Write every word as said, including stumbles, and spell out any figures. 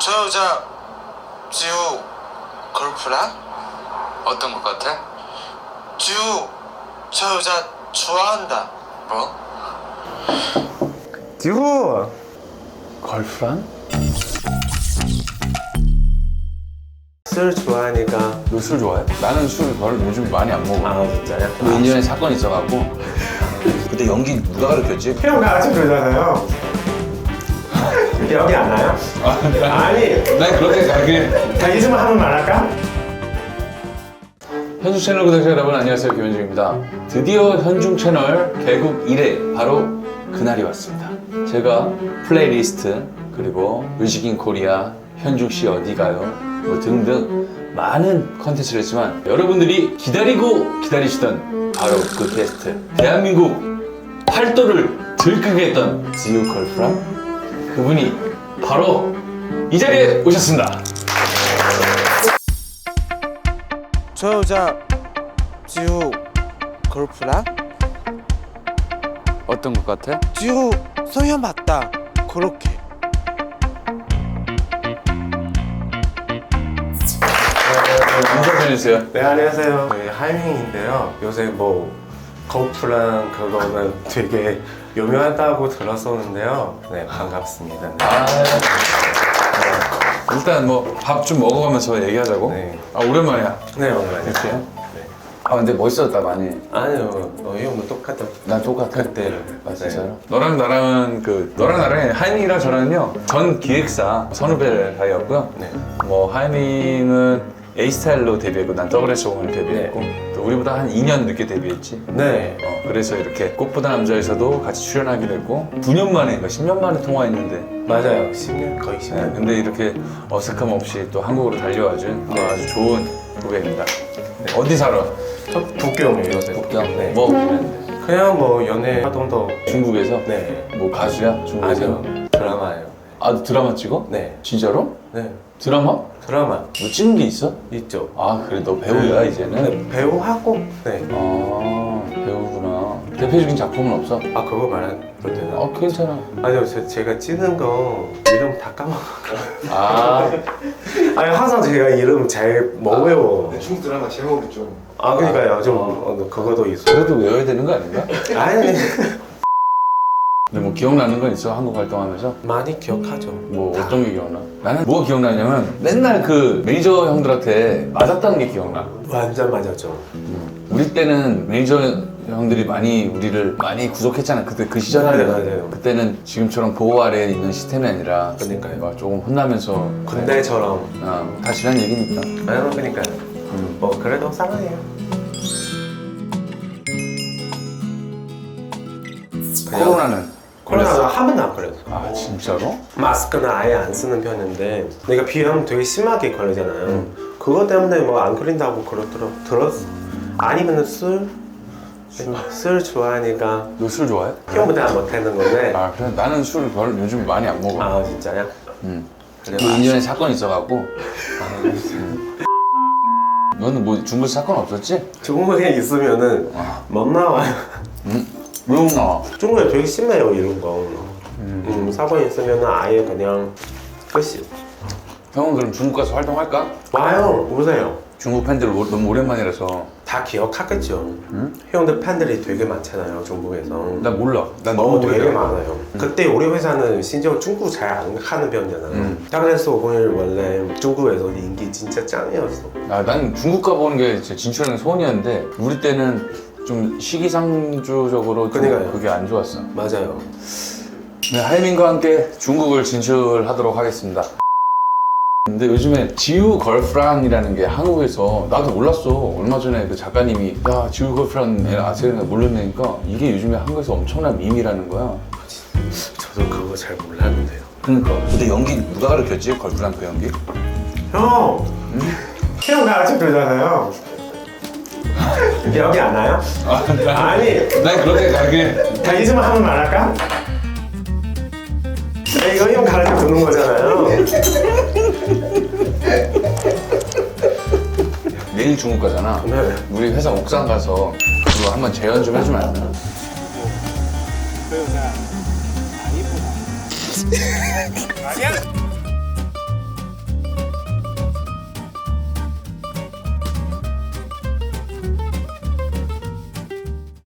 저 여자 지우 걸프라? 어떤 것 같아? 지우 저 여자 좋아한다. 뭐? 지우 걸프란? 술 좋아하니까. 너 술 좋아해? 나는 술 별 요즘 많이 안 먹어. 아 진짜요? 그 일 년에 사건이 있어갖고. 그때 연기 누가 가르쳤지? 형 같이 그러잖아요. 기억이 안 나요? 아니 난 그렇게 가르게. 자 이즈만 한 번만 할까? 현중 채널 구독자 여러분 안녕하세요, 김현중입니다. 드디어 현중 채널 개국 일 회 바로 그날이 왔습니다. 제가 플레이리스트 그리고 뮤직인 코리아, 현중씨 어디가요 뭐 등등 많은 컨텐츠를 했지만 여러분들이 기다리고 기다리시던 바로 그 게스트, 대한민국 팔도를 들끓게 했던 지우 걸프란, 그분이 바로 이 자리에 오셨습니다. 저 여자 지우 걸프라? 어떤 것 같아? 지우 소연 맞다. 그렇게. 인사해주세요. 네 안녕하세요. 네, 하이밍인데요. 요새 뭐 거프랑 그거는 되게 유명하다고 들었었는데요. 네 반갑습니다. 네. 아, 네. 일단 뭐 밥 좀 먹어가면서 얘기하자고. 네. 아 오랜만이야. 네 오늘 이렇게. 아 근데 멋있었다 많이. 아니요 어, 형도 똑같아. 난 똑같아. 그때. 아 진짜요? 너랑 나랑은 그 너랑 나랑 하이밍이랑 저랑은요 전 기획사 선후배 사이였고요. 네. 뭐 하이밍은 A 스타일로 데뷔했고 난 더블 에스 오로 데뷔했고 또 우리보다 한 이 년 늦게 데뷔했지. 네. 어, 그래서 이렇게 꽃보다 남자에서도 같이 출연하게 됐고 구 년 만에, 그러니까 십 년 만에 통화했는데. 맞아요. 십 년 거의 십 네, 년. 근데 이렇게 어색함 없이 또 한국으로 달려와준 네. 아주 좋은 후배입니다. 네. 어디 살아? 저 북경이에요 요새. 북경? 네. 뭐 하는데? 그냥 뭐 연애 활동도. 중국에서? 네. 뭐 가수야? 중국에서? 아니요 드라마예요. 아, 너 드라마 찍어? 네. 진짜로? 네. 드라마? 드라마 뭐 찍은 게 있어? 있죠. 아, 그래 너 배우야 네. 이제는? 네, 배우하고. 네. 아, 배우구나. 대표적인 작품은 없어? 아 그거 말해도 되나? 어, 괜찮아. 아니요 제, 제가 찍은 거 이름 다 까먹었어요. 아, 아니 항상 제가 이름 잘 못 외워. 중국 드라마 제목이 좀 아 그러니까요 좀 어, 그거도 있어. 그래도 외워야 되는 거 아닌가? 아니 근데 뭐 기억나는 건 있어? 한국 활동하면서? 많이 기억하죠. 뭐 어떤 게 기억나? 나는 뭐가 기억나냐면 맨날 그 매니저 형들한테 맞았다는 게 기억나. 완전 맞았죠. 우리 때는 매니저 형들이 많이 우리를 많이 구속했잖아. 그때 그 시절에는. 맞아요, 맞아요. 그때는 지금처럼 보호 아래에 있는 시스템이 아니라 그러니까요. 막 조금 혼나면서 군대처럼. 어, 다 지난 얘기니까. 아니요 그러니까요. 음. 뭐 그래도 사랑해요. 코로나는 코로나가 한 번도 안 걸렸어. 아 진짜로? 마스크는 아예 안 쓰는 편인데 내가 비염 되게 심하게 걸리잖아요. 그것 때문에 뭐 안 걸린다고 그러더라 들었어. 아니면 술? 술 좋아하니까 너 술 좋아해? 형보다 못하는 건데. 아 그래? 나는 술 별 요즘 많이 안 먹어. 아 진짜요? 응. 그래, 그 일 년에 사건이 있어갖고. 음. 너는 뭐 중국에서 사건 없었지? 중국에 있으면은 못 나와요. 응. 왜 못 나와? 중국에 되게 심해요 이런 거. 음, 사건 있으면은 아예 그냥 끝이. 형은 그럼 중국 가서 활동할까? 와요 오세요. 중국 팬들 오- 너무 오랜만이라서. 다 기억하겠죠. 응? 형들 팬들이 되게 많잖아요 중국에서. 나 몰라. 난 어, 너무 되게 오래돼. 많아요. 그때 우리 회사는 심지어 중국 잘 안 하는 편이잖아요. 음. 그래서 오늘 원래 중국에서 인기 진짜 짱이었어. 아, 난 중국 가보는 게 진짜 진출하는 소원이었는데 우리 때는 좀 시기상조적으로 좀 그러니까요. 그게 안 좋았어. 맞아요. 네, 하이민과 함께 중국을 진출하도록 하겠습니다. 근데 요즘에 지우 걸프란이라는 게 한국에서 나도 몰랐어. 얼마 전에 그 작가님이 야 지우 걸프란 아세요? 모르니까 이게 요즘에 한국에서 엄청난 밈이라는 거야. 저도 그거 잘 몰랐는데요. 그러니까. 근데 연기 누가 가르쳤지? 걸프란 그 연기? 형! 형 같이 그러잖아요. 기억이 안 나요? 아니 난 그렇게 가르게. 자 이즈만 한 번만 할까? 네, 이거 형 가르쳐 주는 거잖아요. 내일 중국 가잖아. 네. 우리 회사 옥상 가서 그거 한번 재연 좀 해주면 안 돼? 저 여자 안 이쁘다. 아니야?